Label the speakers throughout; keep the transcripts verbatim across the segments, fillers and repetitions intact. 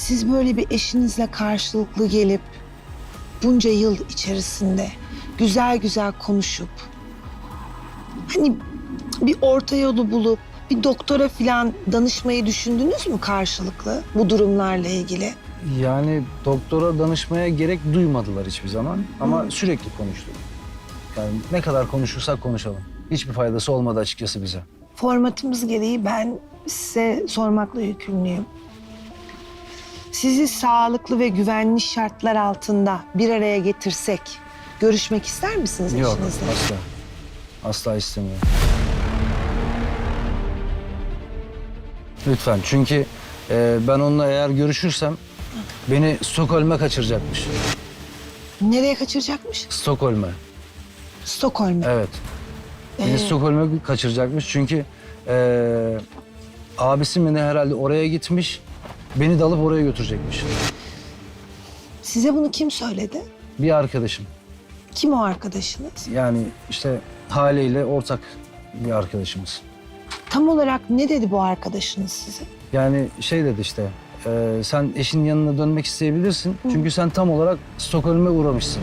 Speaker 1: siz böyle bir eşinizle karşılıklı gelip bunca yıl içerisinde güzel güzel konuşup hani bir orta yolu bulup bir doktora falan danışmayı düşündünüz mü karşılıklı bu durumlarla ilgili?
Speaker 2: Yani doktora danışmaya gerek duymadılar hiçbir zaman ama sürekli konuştuk. Yani ne kadar konuşursak konuşalım. Hiçbir faydası olmadı açıkçası bize.
Speaker 1: Formatımız gereği ben size sormakla yükümlüyüm. Sizi sağlıklı ve güvenli şartlar altında bir araya getirsek görüşmek ister misiniz
Speaker 2: Yok,
Speaker 1: eşinizle?
Speaker 2: asla. Asla istemiyorum. Lütfen, çünkü e, ben onunla eğer görüşürsem beni Stockholm'e kaçıracakmış.
Speaker 1: Nereye kaçıracakmış?
Speaker 2: Stockholm'e,
Speaker 1: Stockholm'e.
Speaker 2: evet. Beni
Speaker 1: Ee?
Speaker 2: Stockholm'e kaçıracakmış çünkü e, abisi mi ne herhalde oraya gitmiş. Beni de alıp oraya götürecekmiş.
Speaker 1: Size bunu kim söyledi?
Speaker 2: Bir arkadaşım.
Speaker 1: Kim o arkadaşınız?
Speaker 2: Yani işte Hale ile ortak bir arkadaşımız.
Speaker 1: Tam olarak ne dedi bu arkadaşınız size?
Speaker 2: Yani şey dedi işte, e, sen eşinin yanına dönmek isteyebilirsin. Çünkü sen tam olarak Stockholm'e uğramışsın.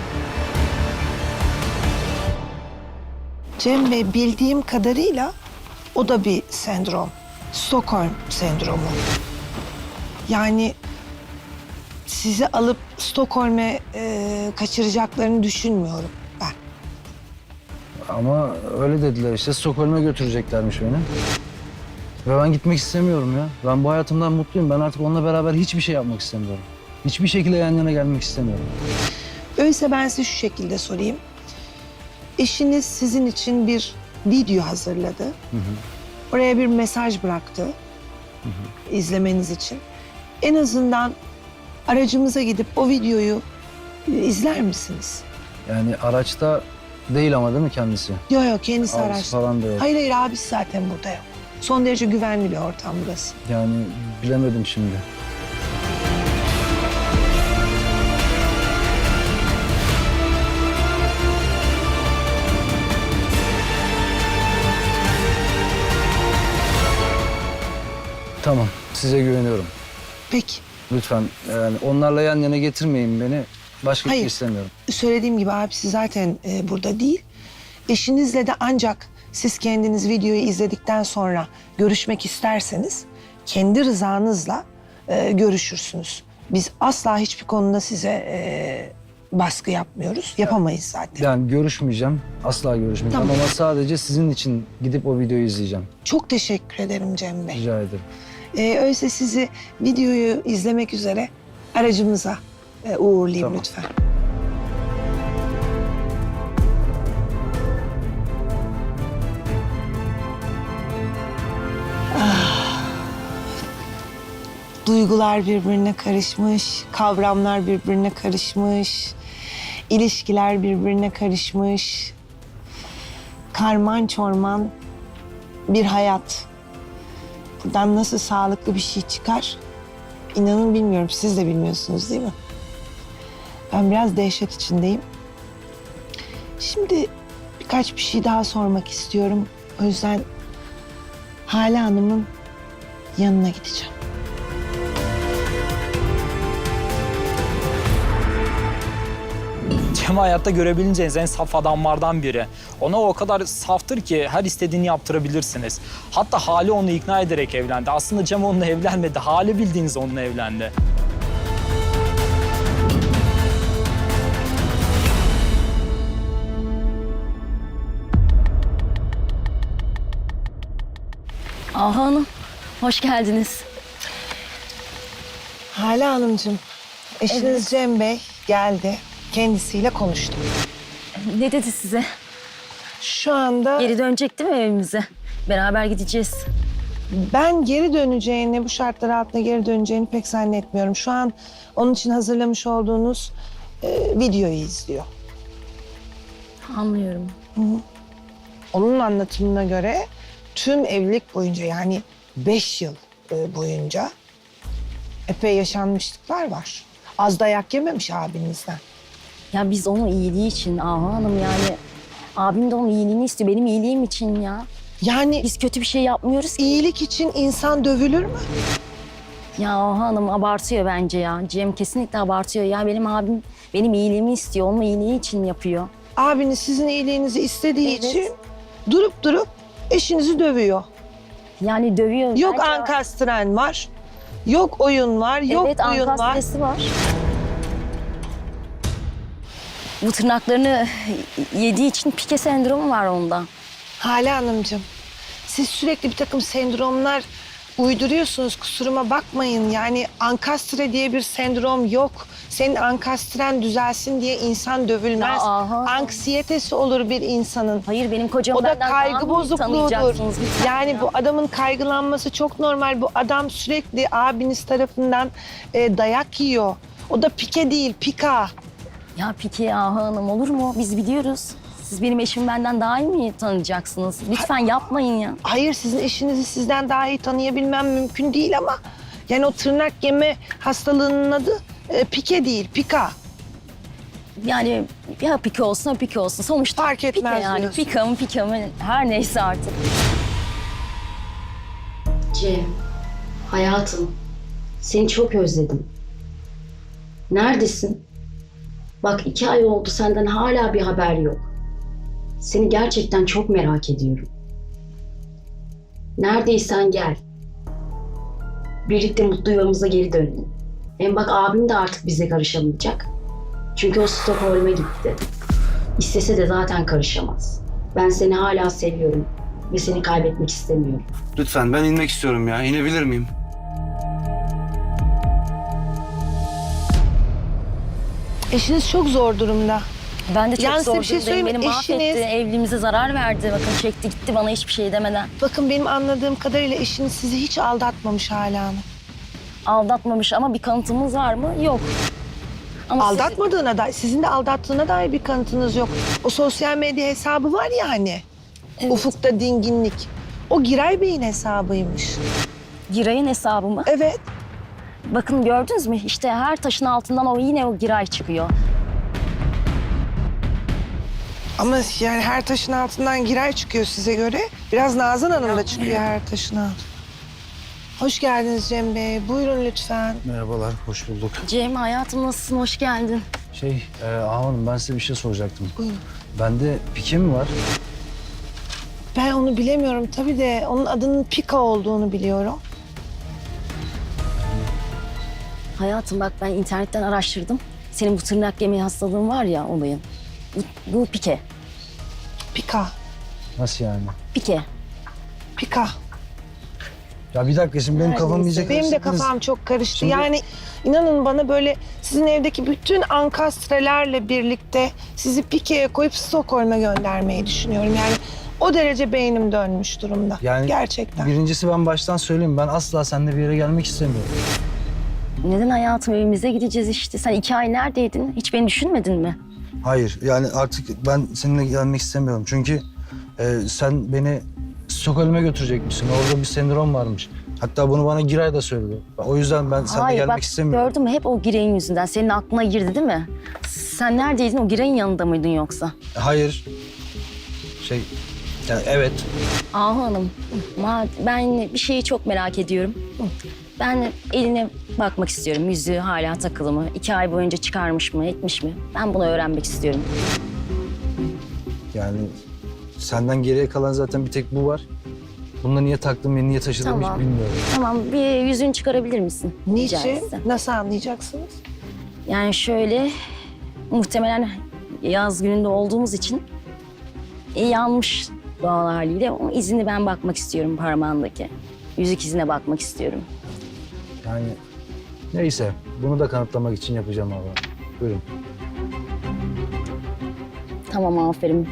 Speaker 1: Cem Bey, bildiğim kadarıyla o da bir sendrom. Stockholm sendromu. Yani sizi alıp Stockholm'e e, kaçıracaklarını düşünmüyorum ben.
Speaker 2: Ama öyle dediler işte, Stockholm'e götüreceklermiş beni. Ve ben gitmek istemiyorum ya. Ben bu hayatımdan mutluyum. Ben artık onunla beraber hiçbir şey yapmak istemiyorum. Hiçbir şekilde yan yana gelmek istemiyorum.
Speaker 1: Öyleyse ben size şu şekilde sorayım. Eşiniz sizin için bir video hazırladı.
Speaker 2: Hı hı.
Speaker 1: Oraya bir mesaj bıraktı.
Speaker 2: Hı hı.
Speaker 1: İzlemeniz için. En azından aracımıza gidip o videoyu e, izler misiniz?
Speaker 2: Yani araçta değil ama değil mi kendisi?
Speaker 1: Yok yok, kendisi
Speaker 2: Abisi
Speaker 1: araçta.
Speaker 2: falan da yok.
Speaker 1: Hayır hayır, abisi zaten burada yok. Son derece güvenli bir ortam burası.
Speaker 2: Yani bilemedim şimdi. Tamam, size güveniyorum.
Speaker 1: Peki.
Speaker 2: Lütfen yani onlarla yan yana getirmeyin beni. Başka bir şey
Speaker 1: Hayır.
Speaker 2: istemiyorum.
Speaker 1: Söylediğim gibi abisi zaten e, burada değil. Eşinizle de ancak siz kendiniz videoyu izledikten sonra görüşmek isterseniz kendi rızanızla e, görüşürsünüz. Biz asla hiçbir konuda size e, baskı yapmıyoruz. Yapamayız zaten.
Speaker 2: Yani görüşmeyeceğim. Asla görüşmeyeceğim
Speaker 1: Tamam.
Speaker 2: ama sadece sizin için gidip o videoyu izleyeceğim.
Speaker 1: Çok teşekkür ederim Cem Bey.
Speaker 2: Rica ederim.
Speaker 1: E, öyleyse sizi videoyu izlemek üzere aracımıza e, uğurlayayım
Speaker 2: Tamam.
Speaker 1: lütfen. Duygular birbirine karışmış, kavramlar birbirine karışmış, ilişkiler birbirine karışmış. Karman çorman bir hayat. Buradan nasıl sağlıklı bir şey çıkar? İnanın bilmiyorum, siz de bilmiyorsunuz değil mi? Ben biraz dehşet içindeyim. Şimdi birkaç bir şey daha sormak istiyorum. O yüzden Hale Hanım'ın yanına gideceğim.
Speaker 3: Cem hayatta görebileceğiniz en saf adamlardan biri. Ona o kadar saftır ki her istediğini yaptırabilirsiniz. Hatta Hale onu ikna ederek evlendi. Aslında Cem onunla evlenmedi. Hale bildiğiniz onunla evlendi.
Speaker 4: Aha Hanım, hoş geldiniz.
Speaker 1: Hale Hanımcığım, eşiniz Cem Bey geldi. Kendisiyle konuştum.
Speaker 4: Ne dedi size?
Speaker 1: Şu anda
Speaker 4: Geri dönecek değil mi evimize? Beraber gideceğiz.
Speaker 1: ben geri döneceğini, bu şartlar altında geri döneceğini pek zannetmiyorum. Şu an onun için hazırlamış olduğunuz e, videoyu izliyor.
Speaker 4: Anlıyorum.
Speaker 1: Onun anlatımına göre tüm evlilik boyunca, yani beş yıl e, boyunca epey yaşanmışlıklar var. Az dayak yememiş abinizden.
Speaker 4: Ya biz onun iyiliği için Aha Hanım, yani abim de onun iyiliğini istiyor. Benim iyiliğim için ya.
Speaker 1: Yani
Speaker 4: Biz kötü bir şey yapmıyoruz ki.
Speaker 1: iyilik için insan dövülür mü?
Speaker 4: Ya Ahu Hanım abartıyor bence ya. Cem kesinlikle abartıyor. Ya benim abim benim iyiliğimi istiyor. Onun iyiliği için yapıyor.
Speaker 1: Abiniz sizin iyiliğinizi istediği
Speaker 4: Evet.
Speaker 1: için durup durup eşinizi dövüyor.
Speaker 4: Yani dövüyor.
Speaker 1: Yok
Speaker 4: Bence-
Speaker 1: ankastren var, yok oyun var, yok
Speaker 4: Evet,
Speaker 1: oyun var.
Speaker 4: ankastresi var. Bu tırnaklarını yediği için pike sendromu var onda.
Speaker 1: Hale Hanımcığım, siz sürekli bir takım sendromlar uyduruyorsunuz, kusuruma bakmayın. Yani ankastre diye bir sendrom yok. Senin ankastren düzelsin diye insan dövülmez.
Speaker 4: Ya, aha.
Speaker 1: Anksiyetesi olur bir insanın.
Speaker 4: Hayır benim kocam
Speaker 1: O da
Speaker 4: benden daha
Speaker 1: kaygı
Speaker 4: mı
Speaker 1: bozukluğudur.
Speaker 4: tanıyacaksınız lütfen
Speaker 1: Yani
Speaker 4: ya?
Speaker 1: bu adamın kaygılanması çok normal. Bu adam sürekli abiniz tarafından e, dayak yiyor. O da pike değil, pika.
Speaker 4: Ya peki Ahu Hanım olur mu? Biz biliyoruz. Siz benim eşimi benden daha iyi mi tanıyacaksınız? Lütfen yapmayın ya.
Speaker 1: Hayır, sizin eşinizi sizden daha iyi tanıyabilmem mümkün değil ama... Yani o tırnak yeme hastalığının adı e, pike değil, pika.
Speaker 4: Yani ya pike olsun ya pike olsun. Sonuçta
Speaker 1: Fark etmez
Speaker 4: pike yani.
Speaker 1: diyorsun.
Speaker 4: Pika mı pika mı her neyse artık.
Speaker 5: Cem, hayatım, seni çok özledim. Neredesin? Bak iki ay oldu senden hala bir haber yok. Seni gerçekten çok merak ediyorum. Neredeysen gel. Birlikte mutlu yuvamıza geri dönelim. Hem bak abim de artık bize karışamayacak. Çünkü o Stockholm'e gitti. İstese de zaten karışamaz. Ben seni hala seviyorum ve seni kaybetmek istemiyorum.
Speaker 6: Lütfen ben inmek istiyorum ya. İnebilir miyim?
Speaker 1: Eşiniz çok zor durumda.
Speaker 4: Ben de çok
Speaker 1: Yalnız size
Speaker 4: zor
Speaker 1: bir şey
Speaker 4: durumdayım.
Speaker 1: söyleyeyim mi?
Speaker 4: Beni mahvetti.
Speaker 1: Eşiniz-
Speaker 4: Evliliğimize zarar verdi. Bakın çekti gitti bana hiçbir şey demeden.
Speaker 1: Bakın benim anladığım kadarıyla eşiniz sizi hiç aldatmamış Hale Hanım.
Speaker 4: Aldatmamış ama bir kanıtımız var mı? Yok. Ama siz-
Speaker 1: Aldatmadığına dair, sizin de aldattığına dair bir kanıtınız yok. O sosyal medya hesabı var ya hani.
Speaker 4: Evet.
Speaker 1: Ufukta dinginlik. O Giray Bey'in hesabıymış.
Speaker 4: Giray'ın hesabı mı?
Speaker 1: Evet.
Speaker 4: Bakın gördünüz mü? İşte her taşın altından o yine o Giray çıkıyor.
Speaker 1: Ama yani her taşın altından Giray çıkıyor size göre. Biraz Nazan Hanım da çıkıyor her taşın altından. Hoş geldiniz Cem Bey. Buyurun lütfen.
Speaker 2: Merhabalar, hoş bulduk.
Speaker 4: Cem hayatım nasılsın? Hoş geldin.
Speaker 2: Şey, e, Ahu Hanım ben size bir şey soracaktım.
Speaker 1: Buyurun.
Speaker 2: Bende pike mi var?
Speaker 1: Ben onu bilemiyorum tabii de onun adının Pika olduğunu biliyorum.
Speaker 4: Hayatım bak ben internetten araştırdım. Senin bu tırnak yemeği hastalığın var ya olayın. Bu, bu pike.
Speaker 1: Pika.
Speaker 2: Nasıl yani?
Speaker 4: Pike.
Speaker 1: Pika.
Speaker 2: Ya bir dakika şimdi benim kafam iyice
Speaker 1: Benim de
Speaker 2: karıştırdınız.
Speaker 1: kafam çok karıştı.
Speaker 2: Şimdi-
Speaker 1: Yani inanın bana böyle sizin evdeki bütün ankastrelerle birlikte sizi Pike'ye koyup Stockholm'a göndermeyi düşünüyorum. Yani o derece beynim dönmüş durumda.
Speaker 2: Yani
Speaker 1: Gerçekten.
Speaker 2: birincisi ben baştan söyleyeyim. Ben asla seninle bir yere gelmek istemiyorum.
Speaker 4: Neden hayatım evimize gideceğiz işte. Sen iki ay neredeydin? Hiç beni düşünmedin mi?
Speaker 2: Hayır yani artık ben seninle gelmek istemiyorum. Çünkü e, sen beni Stockholm'e götürecekmişsin. Orada bir sendrom varmış. Hatta bunu bana Giray da söyledi. O yüzden ben seninle
Speaker 4: Hayır
Speaker 2: gelmek
Speaker 4: bak
Speaker 2: istemiyorum.
Speaker 4: gördün mü hep o Giray'ın yüzünden. Senin aklına girdi değil mi? Sen neredeydin? O Giray'ın yanında mıydın yoksa?
Speaker 2: Hayır. Şey, yani evet.
Speaker 4: Ahu Hanım, ma- ben bir şeyi çok merak ediyorum. Ben eline bakmak istiyorum. Yüzüğü hala takılı mı? İki ay boyunca çıkarmış mı, etmiş mi? Ben bunu öğrenmek istiyorum.
Speaker 2: Yani senden geriye kalan zaten bir tek bu var. Bunu niye taktım ve niye taşıdığımı
Speaker 4: Tamam.
Speaker 2: hiç bilmiyorum.
Speaker 4: Tamam, bir yüzüğünü çıkarabilir misin? Rica
Speaker 1: Niçin?
Speaker 4: etsem.
Speaker 1: Nasıl anlayacaksınız?
Speaker 4: Yani şöyle, muhtemelen yaz gününde olduğumuz için e, yanmış doğal haliyle. O izini ben bakmak istiyorum parmağındaki. Yüzük izine bakmak istiyorum.
Speaker 2: Yani neyse bunu da kanıtlamak için yapacağım abi. Buyurun.
Speaker 4: Tamam, aferin.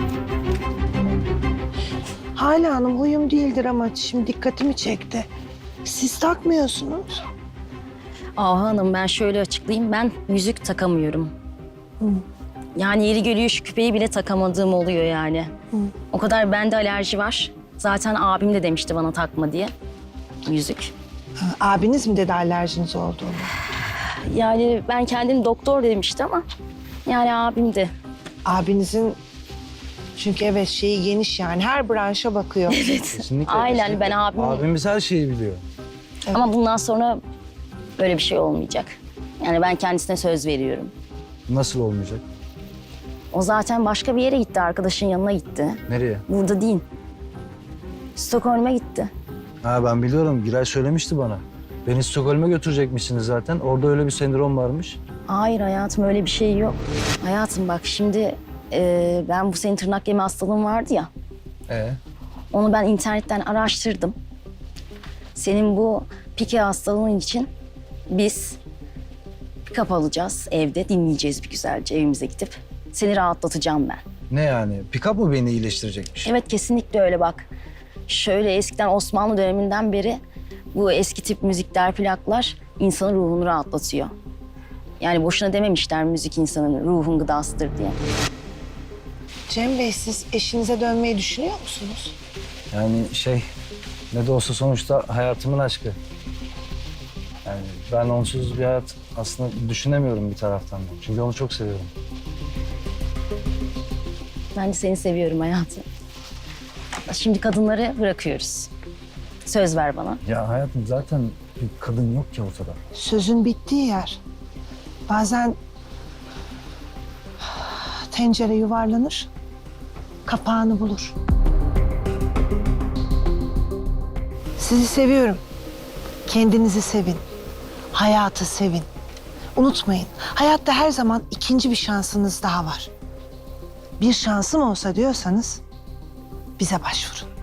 Speaker 1: Hale Hanım huyum değildir ama şimdi dikkatimi çekti. Siz takmıyorsunuz.
Speaker 4: Ahu Hanım ben şöyle açıklayayım. Ben yüzük takamıyorum. Yani yeri geliyor şu küpeyi bile takamadığım oluyor yani. O kadar bende alerji var. Zaten abim de demişti bana takma diye. Yüzük.
Speaker 1: Ha, abiniz mi dedi alerjiniz olduğunu?
Speaker 4: Yani ben kendim doktor demişti ama yani abim de.
Speaker 1: Abinizin çünkü evet şeyi geniş yani her branşa bakıyor.
Speaker 2: Kesinlikle.
Speaker 4: Aynen,
Speaker 2: kesinlikle.
Speaker 4: ben abim-
Speaker 2: Abimiz her şeyi biliyor.
Speaker 4: Ama bundan sonra Böyle bir şey olmayacak. Yani ben kendisine söz veriyorum.
Speaker 2: Nasıl olmayacak?
Speaker 4: O zaten başka bir yere gitti, arkadaşın yanına gitti.
Speaker 2: Nereye?
Speaker 4: Burada değil. Stockholm'a gitti.
Speaker 2: Ha ben biliyorum. Giray söylemişti bana. Beni Stockholm'a götürecekmişsiniz zaten. Orada öyle bir sendrom varmış.
Speaker 4: Hayır hayatım, öyle bir şey yok. Hayatım bak şimdi e, ben bu senin tırnak yeme hastalığın vardı ya.
Speaker 2: Ee?
Speaker 4: Onu ben internetten araştırdım. Senin bu pike hastalığın için biz pick-up alacağız evde. Dinleyeceğiz bir güzelce evimize gidip. Seni rahatlatacağım ben.
Speaker 2: Ne yani? Pick-up mı beni iyileştirecekmiş?
Speaker 4: Evet kesinlikle öyle bak. Şöyle eskiden Osmanlı döneminden beri bu eski tip müzikler, plaklar insanın ruhunu rahatlatıyor. Yani boşuna dememişler müzik insanın ruhun gıdasıdır diye.
Speaker 1: Cem Bey, siz eşinize dönmeyi düşünüyor musunuz?
Speaker 2: Yani şey, ne de olsa sonuçta hayatımın aşkı. Yani ben onsuz bir hayat aslında düşünemiyorum bir taraftan da. Çünkü onu çok seviyorum.
Speaker 4: Ben de seni seviyorum hayatım. Şimdi kadınları bırakıyoruz. Söz ver bana.
Speaker 2: Ya hayatım zaten bir kadın yok ki ortada.
Speaker 1: Sözün bittiği yer. Bazen tencere yuvarlanır, kapağını bulur. Sizi seviyorum. Kendinizi sevin. Hayatı sevin. Unutmayın, hayatta her zaman ikinci bir şansınız daha var. Bir şansım olsa diyorsanız bize başvurun.